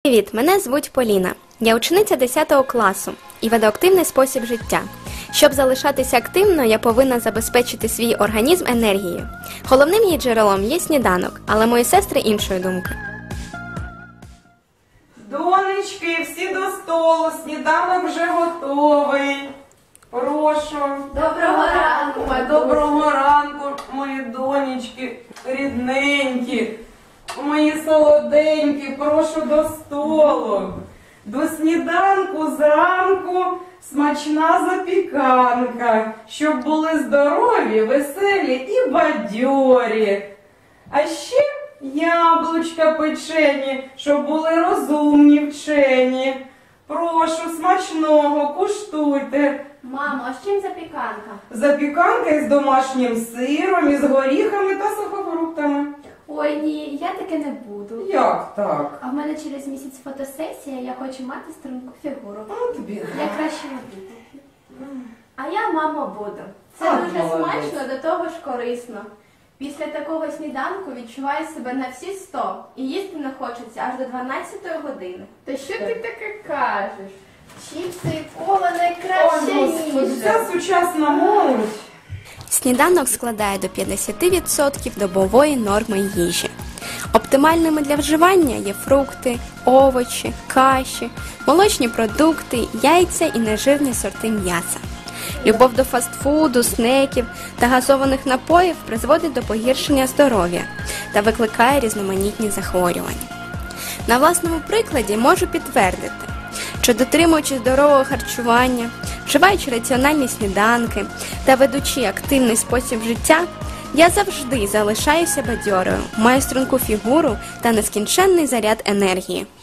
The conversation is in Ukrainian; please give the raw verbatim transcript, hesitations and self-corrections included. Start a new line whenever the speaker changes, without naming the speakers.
Привіт, мене звуть Поліна. Я учениця десятого класу і веду активний спосіб життя. Щоб залишатися активною, я повинна забезпечити свій організм енергією. Головним її джерелом є сніданок, але мої сестри іншої думки.
Донечки, всі до столу, сніданок вже готовий. Прошу.
Доброго ранку,
Ой, доброго ранку, мої донечки, рідненькі, мої солоденькі, прошу до столу. До сніданку зранку смачна запіканка, щоб були здорові, веселі і бадьорі. А ще яблучка печені, щоб були розумні, вчені. Прошу, смачного, куштуйте.
Мамо, а з чим запіканка?
Запіканка із домашнім сиром, із горіхами та сухофруктами.
Ой, ні, я таке не буду.
Як так?
А в мене через місяць фотосесія, я хочу мати струнку фігуру.
Ну, тобі.
Я краще не буду. А я, мамо, буду. Це
А,
дуже
молодець.
смачно, до того ж корисно. Після такого сніданку відчуваю себе на всі сто. І їсти не хочеться аж до дванадцятої години. Та що ти таке кажеш? Чіпси і кола найкраща
Ой, Господи,
їжа.
ця сучасна молодь.
Сніданок складає до п'ятдесят відсотків добової норми їжі. Оптимальними для вживання є фрукти, овочі, каші, молочні продукти, яйця і нежирні сорти м'яса. Любов до фастфуду, снеків та газованих напоїв призводить до погіршення здоров'я та викликає різноманітні захворювання. На власному прикладі можу підтвердити, що дотримуючись здорового харчування, вживаючи раціональні сніданки та ведучи активний спосіб життя, я завжди залишаюся бадьорою, маю струнку фігуру та нескінченний заряд енергії.